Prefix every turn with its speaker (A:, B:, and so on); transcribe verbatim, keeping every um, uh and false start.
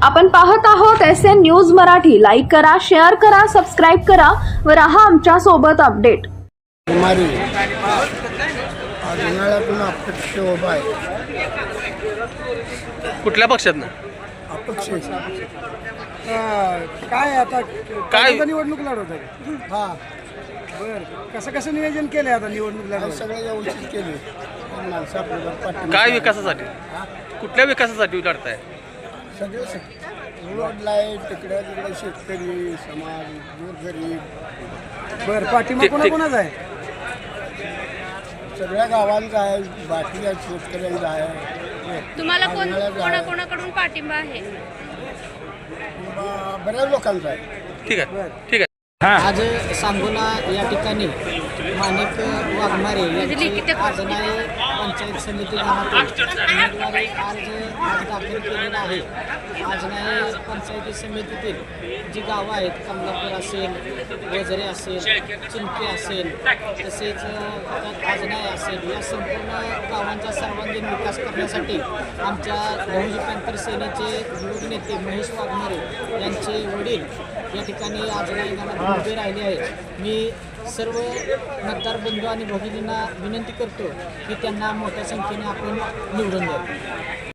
A: आपण पाहत आहोत S N news Marathi. Like करा, शेअर करा, सबस्क्राईब करा व रहा आमच्या सोबत अपडेट.
B: कुमारी आज उन्हाळ्यातून अपक्ष उभा आहे.
C: कुठल्या पक्षातनं?
B: अपक्ष
D: काय आता
C: काय?
D: काय निवडणूक लढवत आहे?
B: हा
D: बर, कसं कसं नियोजन केलंय आता निवडणूक
B: हे
D: लढवत?
B: सगळं व्यवस्थित केले. माणसं आपल्याला पाठिंबा
C: काय विकासासाठी? कुठल्या विकासासाठी लढताय?
B: सगळे रोड लाईट तिकडे तिकडे शेतकरी समाज गोरगरीब
D: बर, पाठिंबा
C: ठीक-
D: कोणा
C: ठीक.
D: कोणाचा आहे?
B: सगळ्या गावांचा आहे, बाकीच्या शेतकऱ्यांचा आहे.
E: तुम्हाला कोण
B: उन्हाळ्यात आहे.
E: कोणाकोणाकडून पाठिंबा आहे?
B: ब- बऱ्याच लोकांचा आहे.
C: ठीक आहे ठीक आहे.
F: आज सांगोला या ठिकाणी माणिक वाघमारे यांची आज नाही पंचायत समिती गावातील उमेदवारी अर्ज आज दाखल केलेला आहे. आज नाही पंचायती समितीतील जी गावं आहेत, कमलापूर असेल, वजरे असेल, चिंपे असेल, तसेच त्यात आज नाही असेल, या संपूर्ण गावांचा सर्वांगीण विकास करण्यासाठी आमच्या बहुजन पॅंथर सेनेचे युवक नेते महेश वाघमारे यांचे वडील या ठिकाणी आज नाही उभे राहिले आहेत. मी सर्व मतदार बंधू आणि भगिनींना विनंती करतो की त्यांना मोठ्या संख्येने आपण निवडून द्यावे.